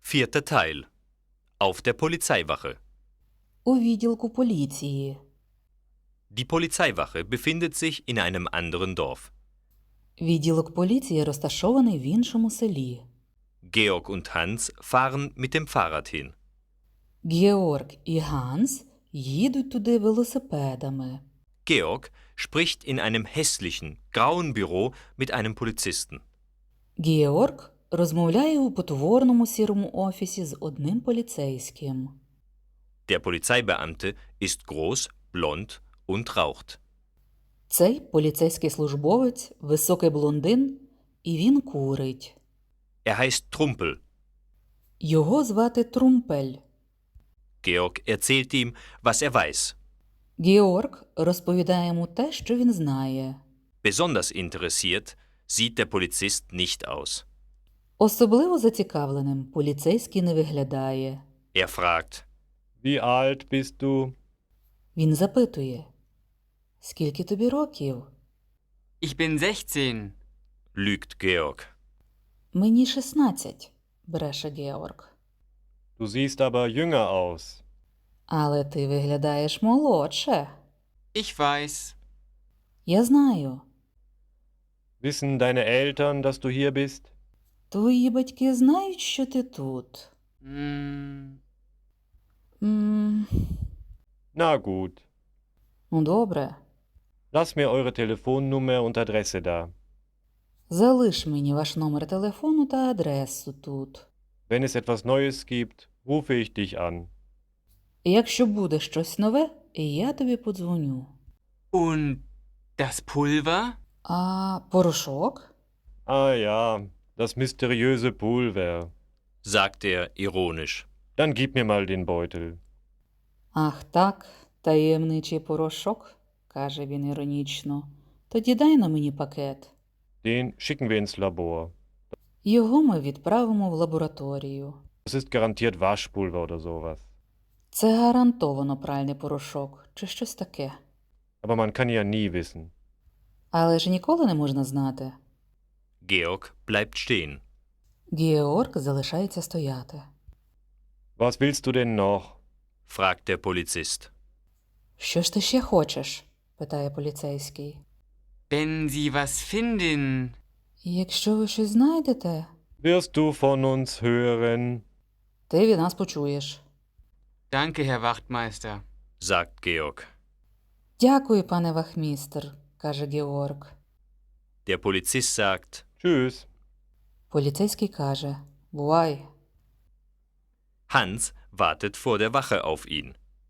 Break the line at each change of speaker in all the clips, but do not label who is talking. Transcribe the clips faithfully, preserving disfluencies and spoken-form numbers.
Vierter Teil. Auf der Polizeiwache.
У відділку поліції.
Die Polizeiwache befindet sich in einem anderen Dorf.
Відділок поліції розташований в іншому селі.
Georg und Hans fahren mit dem Fahrrad hin.
Георг і Ганс їдуть туди велосипедами.
Georg spricht in einem hässlichen, grauen Büro mit einem Polizisten.
Георг розмовляє у потворному сірому офісі з одним поліцейським.
Der Polizeibeamte ist groß, blond und raucht.
Цей поліцейський службовець – високий блондин, і він курить.
Er heißt Trumpel.
Його звати Трумпель.
Georg erzählt ihm, was er weiß.
Георг розповідає йому те, що він знає.
Besonders interessiert sieht der Polizist nicht aus.
Особливо зацікавленим поліцейський не виглядає.
Er fragt,
Wie alt bist du?
Він запитує: «Скільки тобі років?»
Ich bin sechzehn.
lügt Georg.
«Мені шістнадцять», – бреше Георг.
Du siehst aber jünger aus.
«Але ти виглядаєш молодше».
Ich weiß.
«Я знаю.
Wissen deine Eltern, dass du hier bist?
Твої батьки знають, що ти тут?»
Hm,
«М,
Na gut.
Ну, добре.
Lass mir eure Telefonnummer und Adresse da.
Залиш мені ваш номер телефону та адресу тут.
Wenn es etwas Neues gibt, rufe ich dich an.
І якщо буде щось нове, я тобі подзвоню».
und das Pulver?
«А порошок?»
Ah ja, das mysteriöse Pulver.
sagt er ironisch.
Dann gib mir mal den Beutel.
«Ах так, таємничий порошок», – каже він іронічно. «Тоді дай на мені пакет.
Den schicken wir ins Labor.
Його ми відправимо в лабораторію.
Das ist garantiert Waschpulver oder sowas.
Це гарантовано пральний порошок чи щось таке.
Aber man kann ja nie wissen.
Але ж ніколи не можна знати».
Georg bleibt stehen.
Георг залишається стояти.
Was willst du denn noch?
fragt der Polizist.
«Що ж ти ще хочеш?» – питає поліцейський.
Wenn Sie was finden.
«Якщо ви щось знайдете,
Wirst du von uns hören?
ти від нас почуєш».
Danke, Herr Wachtmeister.
sagt Georg.
«Дякую, пане вахмістр», – каже Георг.
Der Polizist sagt,
Tschüss.
Поліцейський каже: «Бувай».
Hans wartet vor der Wache auf ihn.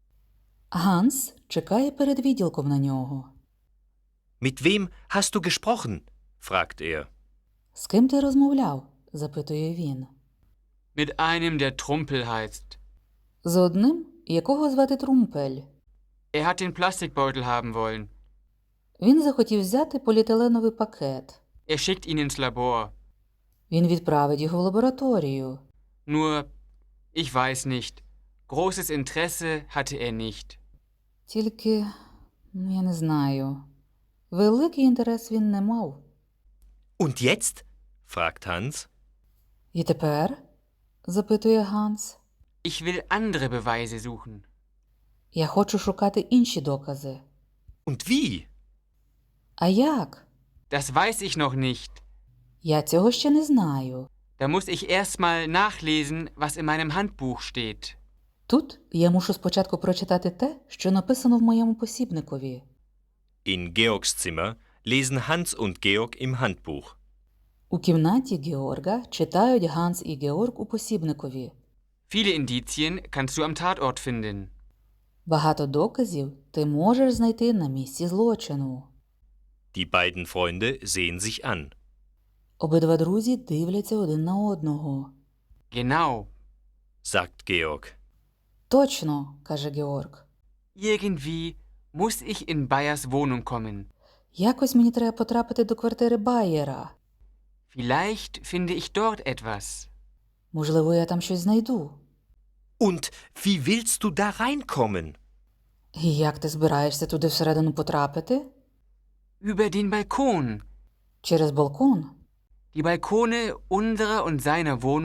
Ганс чекає перед відділком на нього.
Mit wem hast du gesprochen? fragt er.
«З ким ти розмовляв?» – запитує він.
Mit einem, der Trumpel heißt.
«З одним, якого звати Трумпель.
Er hat den Plastikbeutel haben wollen.
Він захотів взяти поліетиленовий пакет.
Er schickt ihn ins Labor.
Він відправить його в лабораторію.
Nur, ich weiß nicht. Großes Interesse hatte er nicht.
Тільки, ну, я не знаю, великий інтерес він не мав».
Und jetzt? fragt Hans.
«І тепер?» – запитує Ганс.
Ich will andere Beweise suchen.
«Я хочу шукати інші докази».
Und wie?
«А як?»
Das weiß ich noch nicht.
«Я цього ще не знаю».
Da muss ich erst mal nachlesen, was in meinem Handbuch steht.
Тут я мушу спочатку прочитати те, що написано в моєму посібникові.
In Georgs Zimmer lesen Hans und Georg im Handbuch.
У кімнаті Георга читають Ганс і Георг у посібникові.
Viele Indizien kannst du am Tatort finden.
Багато доказів ти можеш знайти на місці злочину.
Die beiden Freunde sehen sich an.
Обидва друзі дивляться один на одного.
Genau.
sagt Georg.
«Точно», – каже Георг.
Irgendwie muss ich in Bayers Wohnung kommen.
«Якось мені треба потрапити до квартири Байєра.
Vielleicht finde ich dort etwas.
Можливо, я там щось знайду».
Und wie willst du da reinkommen?
«І як ти збираєшся туди всередину потрапити?»
Über den Balkon.
«Через балкон».
Die Balkone unserer und seiner Wohnung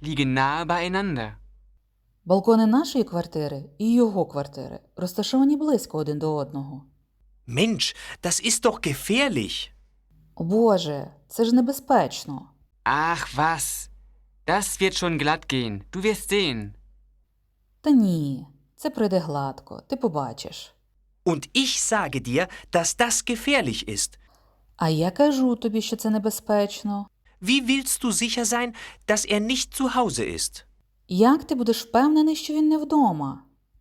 liegen nahe beieinander.
Балкони нашої квартири і його квартири розташовані близько один до одного.
Mensch, das ist doch gefährlich.
О Боже, це ж небезпечно.
Ach was, das wird schon glatt gehen, du wirst sehen.
Та ні, це пройде гладко, ти побачиш.
Und ich sage dir, dass das gefährlich ist.
А я кажу тобі, що це небезпечно.
Wie willst du sicher sein, dass er nicht zu Hause ist?
Як ти будеш впевнений, що він не вдома?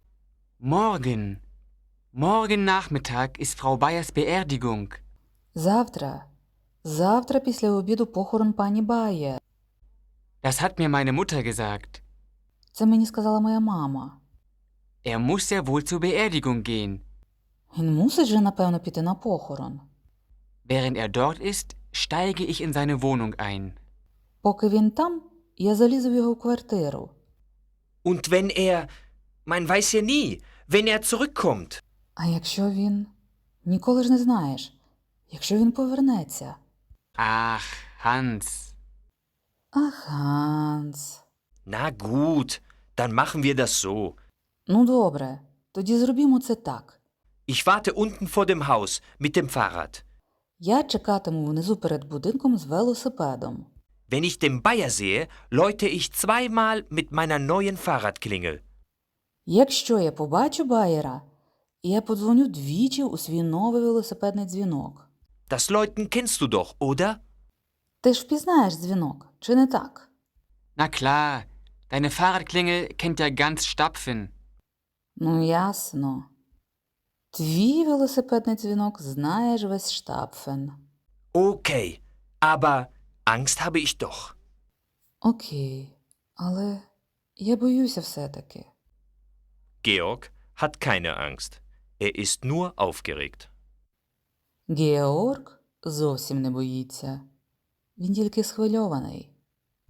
Morgen. Morgen Nachmittag ist Frau Bayers Beerdigung.
Завтра. Завтра після обіду похорон пані Бає.
Das hat mir meine Mutter gesagt.
Це мені сказала моя мама.
Er muss ja wohl zur Beerdigung gehen.
Він мусить же, напевно, піти на похорон.
Während er dort ist, steige ich in seine Wohnung ein.
Поки він там, я залізу в його квартиру.
Und wenn er, man weiß ja nie, wenn er zurückkommt.
А якщо він... Ніколи ж не знаєш. Якщо він повернеться.
Ach, Hans.
Ах, Ганс.
Na gut, dann machen wir das so.
Ну добре, тоді зробімо це так.
Ich warte unten vor dem Haus mit dem Fahrrad.
Я чекатиму внизу перед будинком з велосипедом.
Wenn ich den Bayer sehe, läute ich zweimal mit meiner neuen Fahrradklingel.
Якщо я побачу Байера, я подзвоню двічі у свій новий велосипедний дзвінок.
Das Läuten kennst du doch, oder?
Ти ж впізнаєш дзвінок, чи не так?
Na klar, deine Fahrradklingel kennt ja ganz Stapfen.
Ну, ясно. Твій велосипедний дзвінок знаєш весь Штапфен.
Okay, aber Angst habe ich doch.
Окей, але я боюся все-таки.
Georg hat keine Angst. Er ist nur aufgeregt.
Георг зовсім не боїться. Він тільки схвильований.